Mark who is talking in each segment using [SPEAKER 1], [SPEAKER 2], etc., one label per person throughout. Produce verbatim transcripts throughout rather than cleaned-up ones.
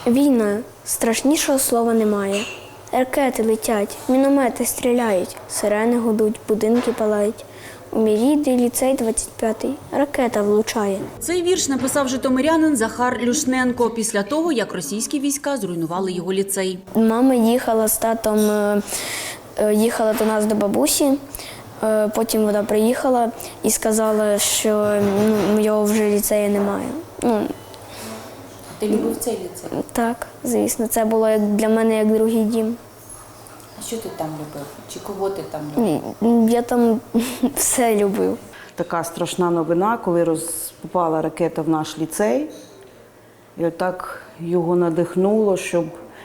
[SPEAKER 1] Війна. Страшнішого слова немає. Ракети летять, міномети стріляють, сирени гудуть, будинки палають. У мій рідний ліцей двадцять п'ятий ракета влучає.
[SPEAKER 2] Цей вірш написав житомирянин Захар Люшненко після того, як російські війська зруйнували його ліцей.
[SPEAKER 1] Мама їхала з татом, е, е, їхала до нас до бабусі, е, потім вона приїхала і сказала, що ну, його вже ліцею немає. Ну,
[SPEAKER 3] Ти любив цей ліцей?
[SPEAKER 1] так, звісно, це було як для мене як другий дім.
[SPEAKER 3] А що ти там любив? Чи кого ти там любив?
[SPEAKER 1] Ні, я там все любив.
[SPEAKER 4] Така страшна новина, коли роз... попала ракета в наш ліцей. І отак його надихнуло, щоб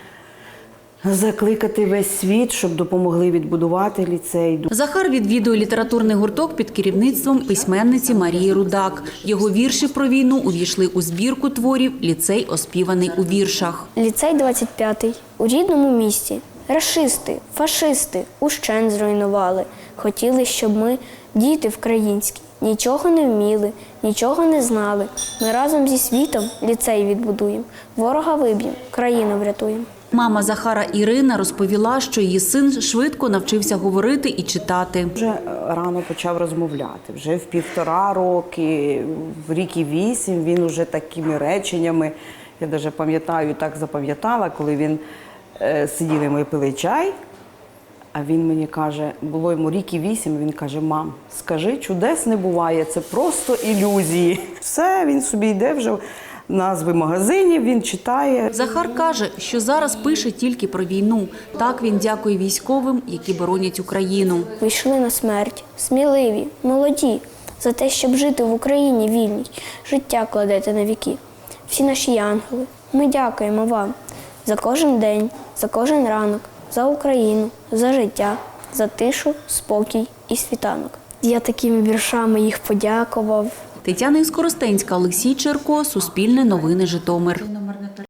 [SPEAKER 4] закликати весь світ, щоб допомогли відбудувати ліцей.
[SPEAKER 2] Захар відвідує літературний гурток під керівництвом письменниці Марії Рудак. Його вірші про війну увійшли у збірку творів «Ліцей, оспіваний у віршах».
[SPEAKER 1] Ліцей двадцять п'ятий у рідному місті. Рашисти, фашисти ущен зруйнували. Хотіли, щоб ми, діти українські, нічого не вміли, нічого не знали. Ми разом зі світом ліцей відбудуємо, ворога виб'ємо, країну врятуємо.
[SPEAKER 2] Мама Захара Ірина розповіла, що її син швидко навчився говорити і читати.
[SPEAKER 4] Вже рано почав розмовляти. Вже в півтора роки, в рік і вісім він уже такими реченнями, я навіть пам'ятаю, так запам'ятала, коли він е, сиділи, ми пили чай, а він мені каже, було йому рік і вісім, він каже: мам, скажи, чудес не буває, це просто ілюзії. Все, він собі йде вже, назви магазинів він читає.
[SPEAKER 2] Захар каже, що зараз пише тільки про війну. Так він дякує військовим, які боронять Україну.
[SPEAKER 1] Ви йшли на смерть, сміливі, молоді, за те, щоб жити в Україні вільній, життя кладете на віки. Всі наші янголи, ми дякуємо вам за кожен день, за кожен ранок, за Україну, за життя, за тишу, спокій і світанок. Я такими віршами їх подякував.
[SPEAKER 2] Тетяна Іскоростенська, Олексій Черко, Суспільне новини, Житомир.